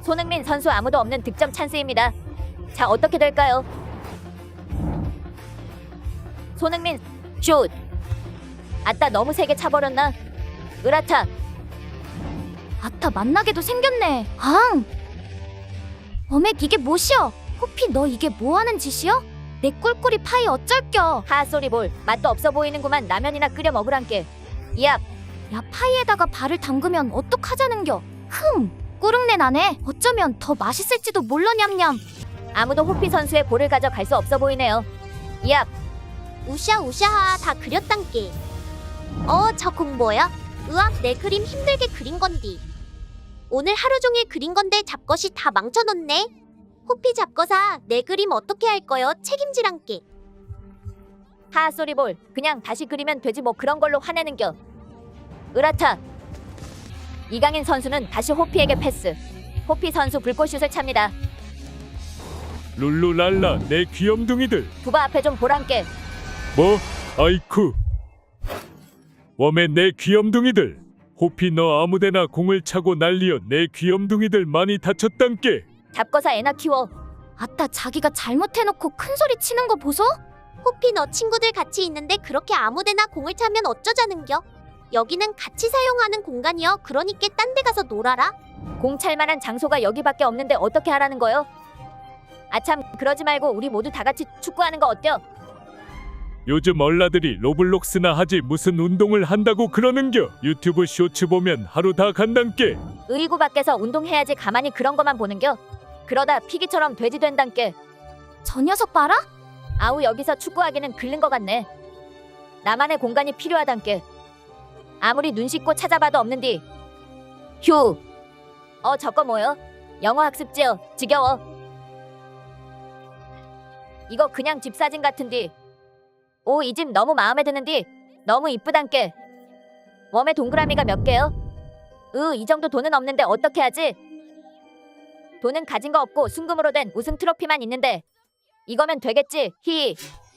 손흥민 선수 아무도 없는 득점 찬스입니다. 자, 어떻게 될까요? 손흥민 슛. 아따, 너무 세게 차버렸나? 으라차. 아따, 만나게도 생겼네. 앙! 어맥, 이게 뭐시여? 호피, 너 이게 뭐하는 짓이여? 내 꿀꿀이 파이 어쩔겨? 하쏘리볼. 맛도 없어 보이는구만. 라면이나 끓여 먹으란께. 이압. 야, 파이에다가 발을 담그면 어떡하자는겨? 꾸릉내 나네. 어쩌면 더 맛있을지도 몰라. 냠냠. 아무도 호피 선수의 볼을 가져갈 수 없어 보이네요. 이압. 우샤우샤하 다 그렸단께. 저 공 뭐야? 으악, 내 그림 힘들게 그린 건디. 오늘 하루 종일 그린 건데 잡것이 다 망쳐놓네. 호피 잡거사, 내 그림 어떻게 할 거요? 책임지란께. 하쏘리볼. 그냥 다시 그리면 되지 뭐 그런 걸로 화내는겨. 으라차. 이강인 선수는 다시 호피에게 패스. 호피 선수 불꽃슛을 찹니다. 룰루랄라 내 귀염둥이들. 부바 앞에 좀 보란께. 뭐? 아이쿠. 웜에 내 귀염둥이들. 호피 너 아무데나 공을 차고 난리여. 내 귀염둥이들 많이 다쳤단께. 잡거사 애나 키워. 아따, 자기가 잘못해놓고 큰소리 치는 거 보소? 호피 너 친구들 같이 있는데 그렇게 아무데나 공을 차면 어쩌자는겨? 여기는 같이 사용하는 공간이여. 그러니까 딴 데 가서 놀아라. 공 찰만한 장소가 여기밖에 없는데 어떻게 하라는 거요? 아참, 그러지 말고 우리 모두 다 같이 축구하는 거 어때요? 요즘 얼라들이 로블록스나 하지 무슨 운동을 한다고 그러는겨. 유튜브 쇼츠 보면 하루 다 간단께. 의구 밖에서 운동해야지 가만히 그런 거만 보는겨. 그러다 피기처럼 돼지 된단께. 저 녀석 봐라. 아우, 여기서 축구하기는 글른 거 같네. 나만의 공간이 필요하단께. 아무리 눈 씻고 찾아봐도 없는디. 휴. 저거 뭐요? 영어 학습지요. 지겨워. 이거 그냥 집 사진 같은디. 오, 이 집 너무 마음에 드는디. 너무 이쁘단께. 웜에 동그라미가 몇 개요? 이 정도 돈은 없는데 어떻게 하지? 돈은 가진 거 없고 순금으로 된 우승 트로피만 있는데 이거면 되겠지. 히.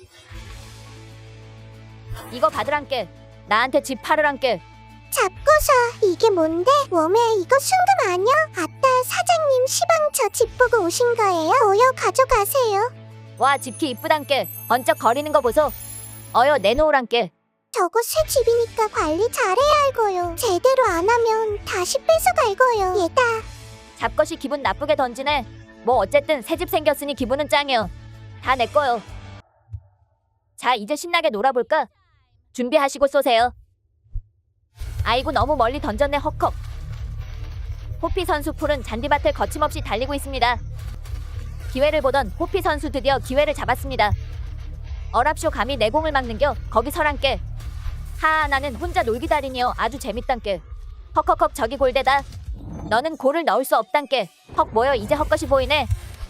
이거 받으란께. 나한테 집 팔으란께. 잡거사, 이게 뭔데? 웜에 이거 순금 아니야? 아따, 사장님 시방 저 집 보고 오신 거예요? 어여 가져가세요. 와, 집키 이쁘단께. 번쩍 거리는 거 보소. 어여 내놓으란께. 저거 새 집이니까 관리 잘해야 할 거요. 제대로 안 하면 다시 뺏어갈 거요. 얘다. 잡것이 기분 나쁘게 던지네. 뭐 어쨌든 새 집 생겼으니 기분은 짱이요. 다 내 거요. 자, 이제 신나게 놀아볼까? 준비하시고 쏘세요. 아이고, 너무 멀리 던졌네. 헉헉. 호피 선수 풀은 잔디밭을 거침없이 달리고 있습니다. 기회를 보던 호피 선수 드디어 기회를 잡았습니다. 어랍쇼 감히 내 공을 막는겨. 거기 서란께. 하하, 나는 혼자 놀기 달인이여. 아주 재밌단께. 헉헉헉, 저기 골대다. 너는 골을 넣을 수 없단께. 헉, 뭐여, 이제 헛것이 보이네.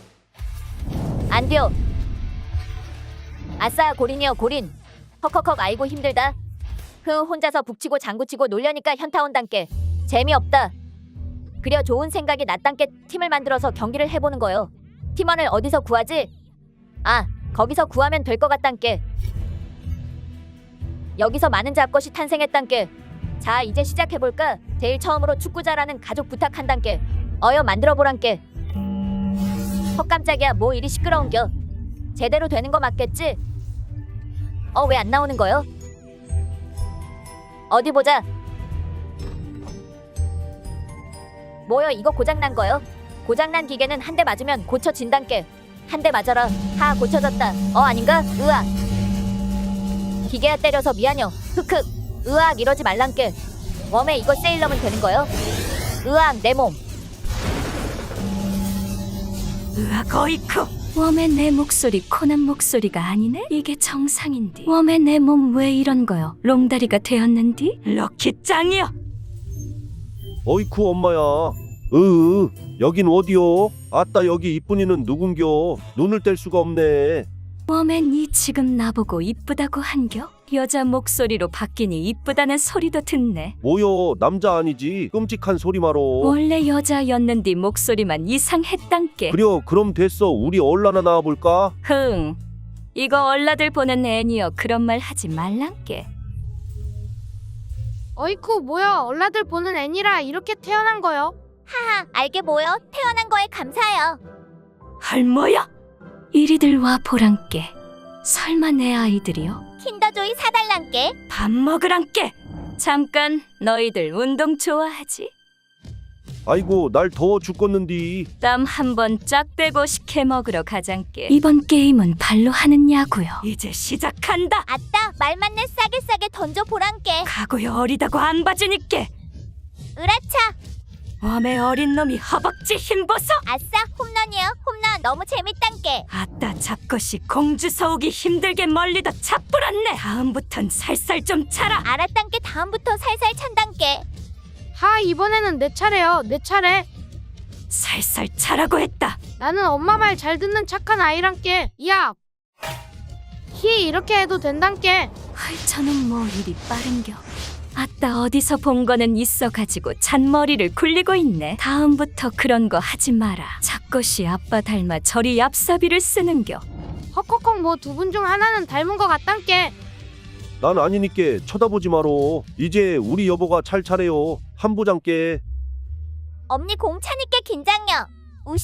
안 돼요. 아싸, 골인이여, 골인. 헉헉헉, 아이고 힘들다. 혼자서 북치고 장구치고 놀려니까 현타 온단께. 재미없다. 그려 좋은 생각이 났단께. 팀을 만들어서 경기를 해보는 거요. 팀원을 어디서 구하지? 아, 거기서 구하면 될 것 같단께. 여기서 많은 잡것이 탄생했단께. 자, 이제 시작해볼까? 제일 처음으로 축구 잘하는 가족 부탁한단께. 어여 만들어보란께. 헛, 깜짝이야. 뭐 이리 시끄러운겨. 제대로 되는 거 맞겠지? 왜 안 나오는 거요? 어디 보자. 뭐여, 이거 고장난 거요? 고장난 기계는 한 대 맞으면 고쳐진단께. 한 대 맞아라. 하, 고쳐졌다. 아닌가? 으악. 기계야, 때려서 미안요. 흑흑. 으악, 이러지 말란께. 웜에 이거 세일러면 되는 거요? 으악, 내 몸. 으악, 어이쿠. 웜의 내 목소리 코난 목소리가 아니네? 이게 정상인디. 웜의 내 몸 왜 이런 거요? 롱다리가 되었는디? 럭키 짱이여. 어이쿠 엄마야. 여긴 어디요? 아따, 여기 이쁜이는 누군겨? 눈을 뗄 수가 없네. 웜에 니 지금 나보고 이쁘다고 한겨? 여자 목소리로 바뀌니 이쁘다는 소리도 듣네. 뭐여, 남자 아니지? 끔찍한 소리 말어. 원래 여자였는디 목소리만 이상했단께. 그려, 그럼 됐어. 우리 얼라나 나와볼까? 흥, 이거 얼라들 보는 애니여. 그런 말 하지 말란께. 어이쿠, 뭐야, 얼라들 보는 애니라 이렇게 태어난 거요? 하하, 알게 뭐여. 태어난 거에 감사해요. 할머야. 이리들 와 보란께. 설마 내 아이들이요? 킨더조이 사달란께. 밥 먹으란께. 잠깐 너희들 운동 좋아하지? 아이고 날 더워 죽겠는디. 땀 한 번 쫙 빼고 식혜 먹으러 가장께. 이번 게임은 발로 하는 야구요. 이제 시작한다. 아따, 말 맞네. 싸게 던져보란께. 가고요 어리다고 안 봐주니께. 으라차. 웜의 어린 놈이 허벅지 힘보소. 아싸, 홈런이요. 홈런 너무 재밌단께. 아따 잡것이 공주 서우기 힘들게 멀리도 차뿌렸네. 다음부턴 살살 좀 차라. 알았단께. 다음부터 살살 찬단께. 하, 이번에는 내 차례요. 내 차례. 살살 차라고 했다. 나는 엄마 말 잘 듣는 착한 아이란께. 야. 히, 이렇게 해도 된단께. 저는 뭐 일이 빠른겨. 아따 어디서 본 거는 있어가지고 잔머리를 굴리고 있네. 다음부터 그런 거 하지 마라. 잡것이 아빠 닮아 저리 얍사비를 쓰는겨. 헉헉헉, 뭐 두 분 중 하나는 닮은 거 같단께. 난 아니니께 쳐다보지 마로. 이제 우리 여보가 찰 차례요. 한부장께. 엄니 공차니께 긴장요. 우샤.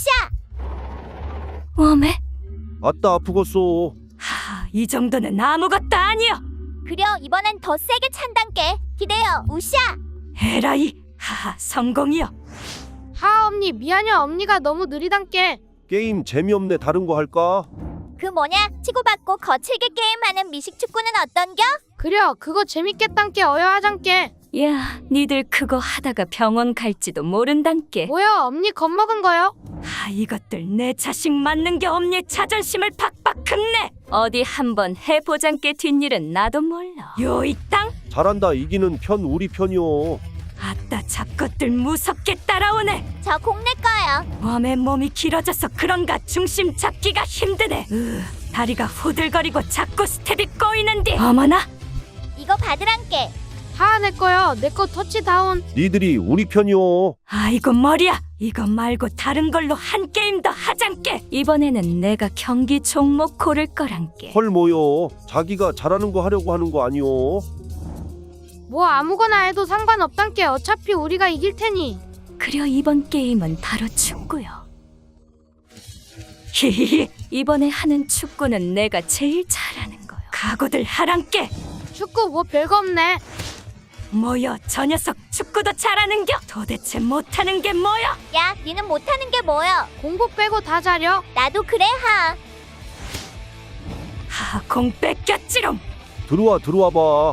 웜에? 아따 아프겠소. 이 정도는 아무것도 아니여. 그려, 이번엔 더 세게 찬단께. 기대요. 우샤. 에라이. 성공이여. 하, 엄니 미안해. 엄니가 너무 느리단께. 게임 재미없네. 다른 거 할까? 그 뭐냐? 치고받고 거칠게 게임하는 미식축구는 어떤겨? 그려, 그거 재밌겠단께. 어여하장께. 야, 니들 그거 하다가 병원 갈지도 모른단께. 뭐야, 엄니 겁먹은 거요? 이것들 내 자식 맞는 게 없니? 자존심을 팍팍 긁네. 어디 한번 해보장께 뒷일은 나도 몰라. 요이 땅. 잘한다. 이기는 편 우리 편이요. 아따 잡것들 무섭게 따라오네. 저 공 내 거예요. 웜의 몸이 길어져서 그런가 중심 잡기가 힘드네. 다리가 후들거리고 자꾸 스텝이 꼬이는데. 어머나. 이거 받으란께. 하, 내 거요. 내 거 터치다운. 니들이 우리 편이요. 아이고 머리야. 이거 말고 다른 걸로 한 게임 더 하장께. 이번에는 내가 경기 종목 고를 거란께. 헐 뭐요. 자기가 잘하는 거 하려고 하는 거 아니요. 뭐 아무거나 해도 상관없단께. 어차피 우리가 이길 테니. 그려 이번 게임은 바로 축구요. 히히히. 이번에 하는 축구는 내가 제일 잘하는 거요. 각오들 하란께. 축구 뭐 별거 없네. 뭐여 저 녀석 축구도 잘하는겨? 도대체 못하는 게 뭐여? 야, 니는 못하는 게 뭐여? 공부 빼고 다 잘려. 나도 그래 하. 공 뺏겼지롱. 들어와 봐.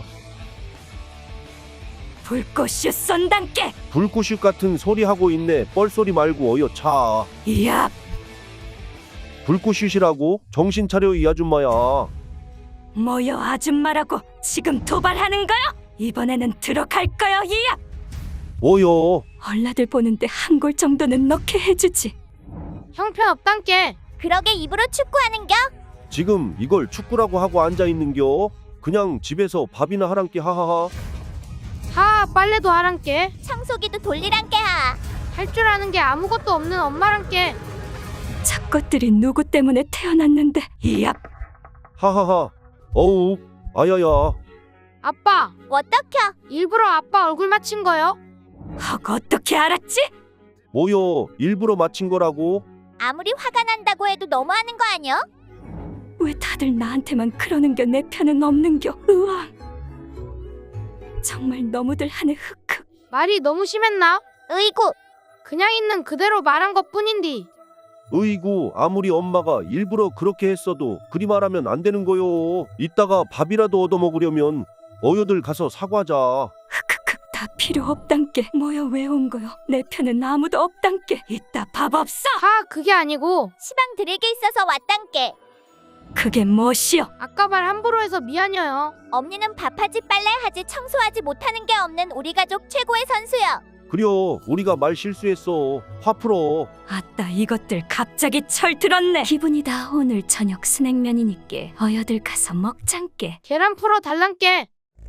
불꽃슛 쏜단께. 불꽃슛 같은 소리 하고 있네. 뻘소리 말고 어여 차. 이야. 불꽃슛이라고? 정신 차려 이 아줌마야. 뭐여 아줌마라고 지금 도발하는 거요? 이번에는 들어갈 거요 이야. 뭐요? 얼라들 보는데 한 골 정도는 넣게 해주지. 형편없단께. 그러게 입으로 축구하는겨? 지금 이걸 축구라고 하고 앉아 있는겨? 그냥 집에서 밥이나 하란께. 하하하. 하, 빨래도 하란께. 청소기도 돌리란께 하. 할 줄 아는 게 아무것도 없는 엄마란께. 잡것들이 누구 때문에 태어났는데. 이야. 하하하. 어우 아야야. 아빠, 어떡혀? 일부러 아빠 얼굴 맞힌 거요? 어떻게 알았지? 뭐요? 일부러 맞힌 거라고? 아무리 화가 난다고 해도 너무하는 거 아니여? 왜 다들 나한테만 그러는겨? 내 편은 없는겨? 으앙. 정말 너무들 하네. 흑흑. 말이 너무 심했나? 으이구. 그냥 있는 그대로 말한 것뿐인디. 으이구 아무리 엄마가 일부러 그렇게 했어도 그리 말하면 안 되는 거요. 이따가 밥이라도 얻어먹으려면 어여들 가서 사과하자. 흑흑흑. 다 필요 없단께. 뭐야 왜 온 거요? 내 편은 아무도 없단께. 이따 밥 없어. 하, 그게 아니고 시방 드릴 게 있어서 왔단께. 그게 무엇이여? 아까 말 함부로 해서 미안해요. 엄니는 밥하지 빨래하지 청소하지 못하는 게 없는 우리 가족 최고의 선수여. 그려 우리가 말 실수했어. 화 풀어. 아따 이것들 갑자기 철 들었네. 기분이다. 오늘 저녁 스낵면이니께 어여들 가서 먹장께. 계란 풀어 달란께.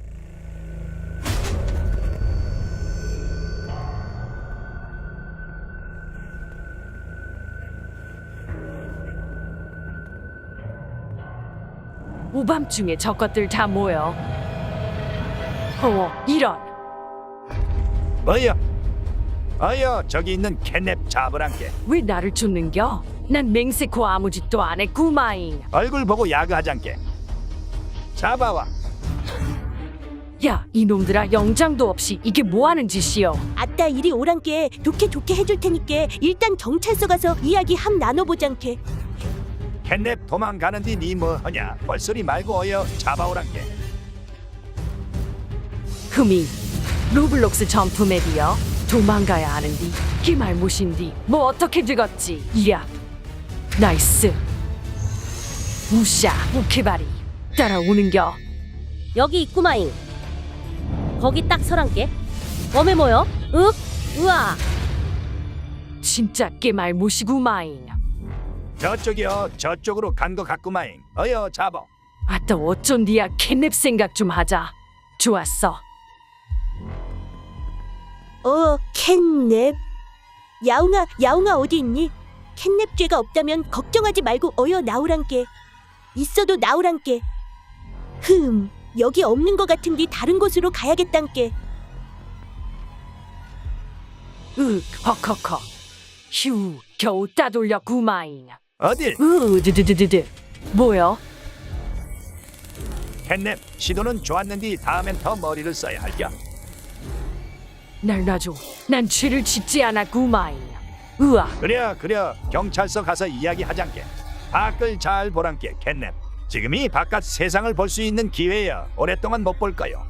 오밤중에 저것들 다 모여. 이런. 뭐야? 어여 저기 있는 캣냅 잡으란께. 왜 나를 쫓는겨? 난 맹세코 아무 짓도 안 했구마잉. 얼굴 보고 야그하잔께. 잡아와. 야, 이놈들아, 영장도 없이 이게 뭐하는 짓이여? 아따 이리 오란께 좋게 해줄 테니께 일단 경찰서 가서 이야기 함 나눠보장께. 캣냅 도망가는디 니 뭐하냐? 벌소리 말고 어여 잡아오란께. 흠이 로블록스 점프맵이여. 도망가야 하는디 이 말못인디 뭐 어떻게 되겠지? 이야, 나이스. 우샤 우케바리 따라오는겨. 여기 있구마잉. 거기 딱 서란께. 웜에 모여? 우와. 진짜 깨말못이구마잉. 저쪽이여 저쪽으로 간 거 같구마잉. 어여 잡아. 아따 어쩐디야. 캣냅 생각 좀 하자. 좋았어. 캣냅. 야옹아 어디 있니? 캣냅 죄가 없다면 걱정하지 말고 어여 나오란께. 있어도 나오란께. 여기 없는 거 같은디 다른 곳으로 가야겠단께. 헉헉헉. 휴, 겨우 따돌렸구마잉. 어딜? 드드드드드. 뭐여? 캣냅 시도는 좋았는데 다음엔 더 머리를 써야 할겨. 날 놔줘. 난 죄를 짓지 않았구마잉. 으아. 그래 경찰서 가서 이야기하잔께. 밖을 잘 보란께 캣냅. 지금이 바깥 세상을 볼 수 있는 기회야. 오랫동안 못 볼 거요.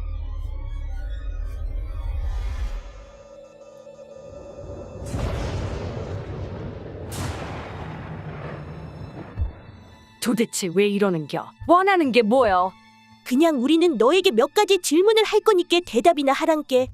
도대체 왜 이러는겨? 원하는 게 뭐여? 그냥 우리는 너에게 몇 가지 질문을 할 거니께 대답이나 하란께.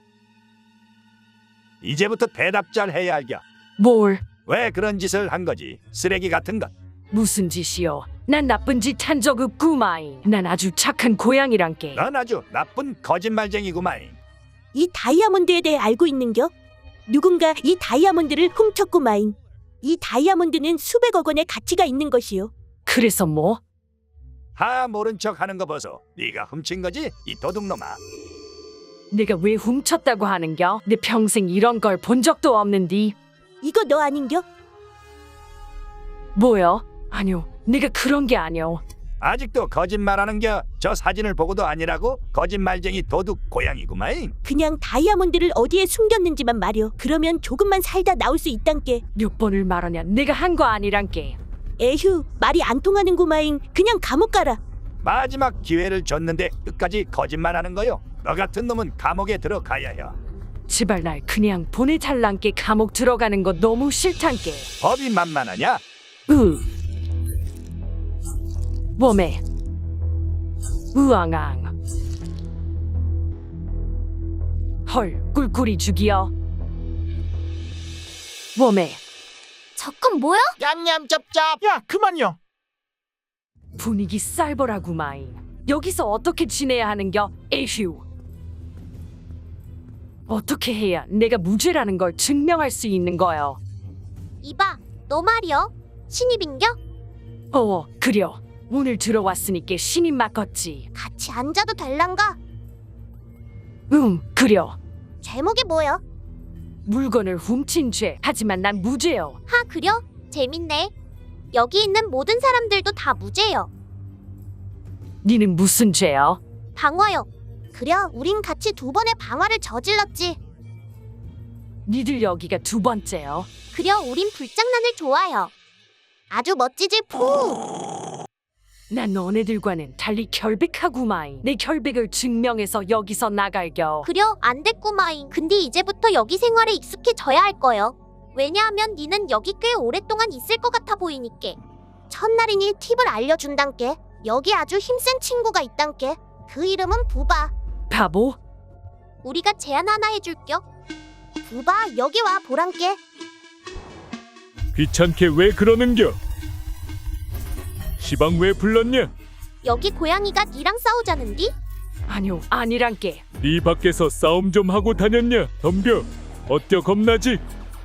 이제부터 대답 잘 해야 할겨. 뭘? 왜 그런 짓을 한 거지? 쓰레기 같은 것. 무슨 짓이여? 난 나쁜 짓 한 적 없구마잉. 난 아주 착한 고양이란께. 넌 아주 나쁜 거짓말쟁이구마잉. 이 다이아몬드에 대해 알고 있는겨? 누군가 이 다이아몬드를 훔쳤구마잉. 이 다이아몬드는 수백억 원의 가치가 있는 것이요. 그래서 뭐? 하 모른 척 하는 거 보소. 네가 훔친 거지? 이 도둑놈아. 내가 왜 훔쳤다고 하는겨? 내 평생 이런 걸 본 적도 없는디. 이거 너 아닌겨? 뭐여? 아니요, 내가 그런 게 아니오. 아직도 거짓말하는겨? 저 사진을 보고도 아니라고? 거짓말쟁이 도둑 고양이구마잉. 그냥 다이아몬드를 어디에 숨겼는지만 말여. 그러면 조금만 살다 나올 수 있단께. 몇 번을 말하냐? 내가 한 거 아니란께. 에휴, 말이 안 통하는구마잉. 그냥 감옥 가라. 마지막 기회를 줬는데 끝까지 거짓말하는 거요. 너 같은 놈은 감옥에 들어가야 해. 제발 날 그냥 보내달란께. 감옥 들어가는 거 너무 싫단께. 법이 만만하냐? 웜에 으앙앙. 헐, 꿀꿀이 죽이여. 웜에 저건 뭐야? 냠냠 짭짭. 야 그만요. 분위기 쌀벌하구마잉. 여기서 어떻게 지내야 하는겨? 에휴. 어떻게 해야 내가 무죄라는 걸 증명할 수 있는 거요? 이봐, 너 말이여. 신입인겨? 그려. 오늘 들어왔으니까 신임 맡겄지. 같이 앉아도 될란가? 그려. 제목이 뭐여? 물건을 훔친 죄. 하지만 난 무죄요. 하, 그려? 재밌네. 여기 있는 모든 사람들도 다 무죄여. 니는 무슨 죄요? 방화여. 그려, 우린 같이 2번의 방화를 저질렀지. 니들 여기가 2번째요. 그려, 우린 불장난을 좋아해요. 아주 멋지지 푸. 난 너네들과는 달리 결백하구마잉. 내 결백을 증명해서 여기서 나갈겨. 그려, 안 됐구마잉. 근데 이제부터 여기 생활에 익숙해져야 할 거요. 왜냐하면 니는 여기 꽤 오랫동안 있을 것 같아 보이니께. 첫날이니 팁을 알려준단께. 여기 아주 힘센 친구가 있단께. 그 이름은 부바. 바보? 우리가 제안 하나 해줄겨. 부바, 여기 와 보란께. 귀찮게 왜 그러는겨? 시방 왜 불렀냐? 여기 고양이가 니랑 싸우자는디? 아니요, 아니란께. 네 밖에서 싸움 좀 하고 다녔냐? 덤벼. 어때요 겁나지?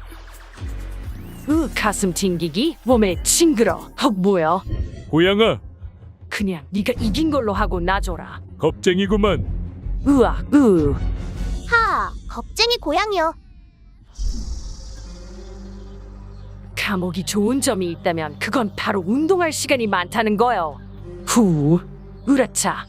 가슴 튕기기? 몸에 징그러. 뭐야? 고양아 그냥 네가 이긴 걸로 하고 놔줘라. 겁쟁이구만. 으악. 하, 겁쟁이 고양이여. 감옥이 좋은 점이 있다면 그건 바로 운동할 시간이 많다는 거요. 후, 으라차.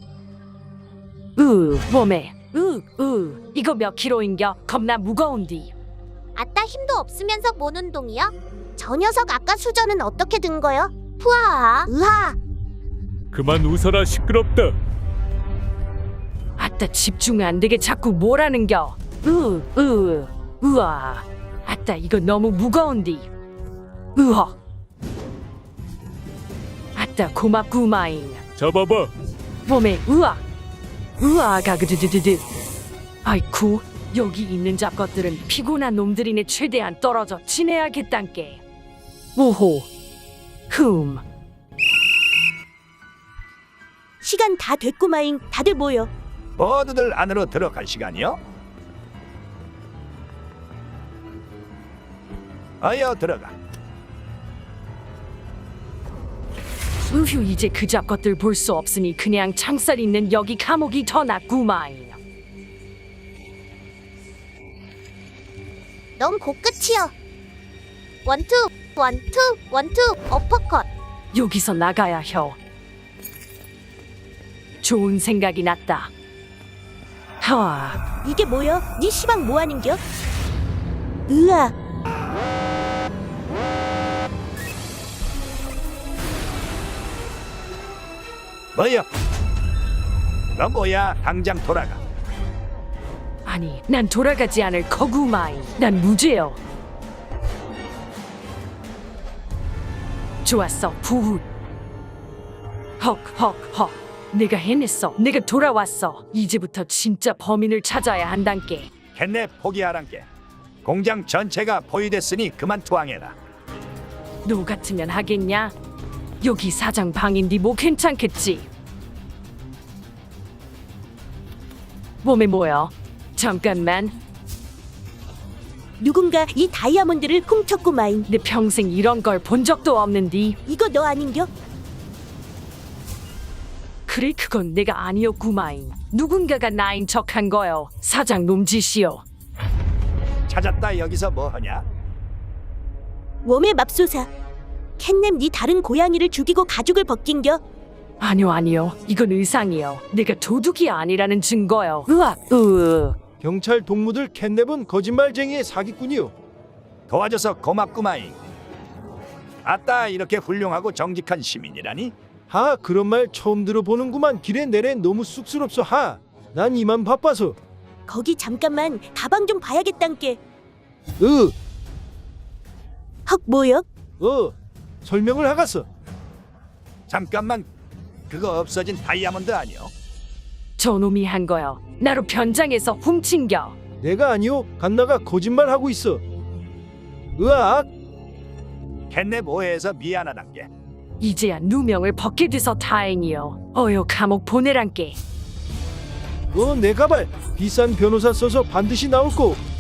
몸에, 이거 몇 킬로인겨? 겁나 무거운디. 아따 힘도 없으면서 뭔 운동이야? 저 녀석 아까 수저는 어떻게 든 거요? 푸아, 으하. 그만 웃어라 시끄럽다. 아따 집중 안 되게 자꾸 뭐라는겨? 우와. 아따 이거 너무 무거운디. 으허. 아따 고맙구마잉. 잡아봐. 몸에 으아가 그드드드드. 아이쿠 여기 있는 잡것들은 피곤한 놈들이네. 최대한 떨어져 지내야겠단께. 오호. 시간 다 됐구마잉. 다들 모여. 모두들 안으로 들어갈 시간이요. 어여 들어가. 우휴 이제 그 잡것들 볼 수 없으니 그냥 창살 있는 여기 감옥이 더 낫구마잉. 넌 곧끝이여. 원투, 어퍼컷. 여기서 나가야 혀. 좋은 생각이 났다. 하와. 이게 뭐여? 네 시방 뭐하는겨? 으아. 뭐여? 너 뭐야? 당장 돌아가. 아니 난 돌아가지 않을 거구마잉. 난 무죄요. 좋았어 부후. 헉 내가 해냈어. 내가 돌아왔어. 이제부터 진짜 범인을 찾아야 한단께. 캣냅 포기하란께. 공장 전체가 포위됐으니 그만 투항해라. 너 같으면 하겠냐? 여기 사장 방인디 뭐 괜찮겠지? 몸에 뭐야? 잠깐만. 누군가 이 다이아몬드를 훔쳤구마잉. 내 평생 이런 걸 본 적도 없는디. 이거 너 아닌겨? 그래 그건 내가 아니었구마잉. 누군가가 나인 척한 거요. 사장 놈짓이요. 찾았다. 여기서 뭐하냐? 웜의 맙소사. 캣냅 네 다른 고양이를 죽이고 가죽을 벗긴겨? 아니요. 이건 의상이요. 내가 도둑이 아니라는 증거요. 으악. 경찰 동무들 캣냅은 거짓말쟁이의 사기꾼이요. 도와줘서 고맙구마잉. 아따 이렇게 훌륭하고 정직한 시민이라니? 하, 그런 말 처음 들어보는구만. 길에 내래 너무 쑥스럽소. 하, 난 이만 바빠서. 거기 잠깐만 가방 좀 봐야겠단께. 헉 뭐여? 설명을 하갔어. 잠깐만. 그거 없어진 다이아몬드 아니요? 저놈이 한 거요. 나로 변장해서 훔친겨. 내가 아니요. 갓나가 거짓말하고 있어. 으악. 캣냅 오해해서 미안하단께. 이제야 누명을 벗게 돼서 다행이요. 어여 감옥 보내란께. 내 가발 비싼 변호사 써서 반드시 나올 거.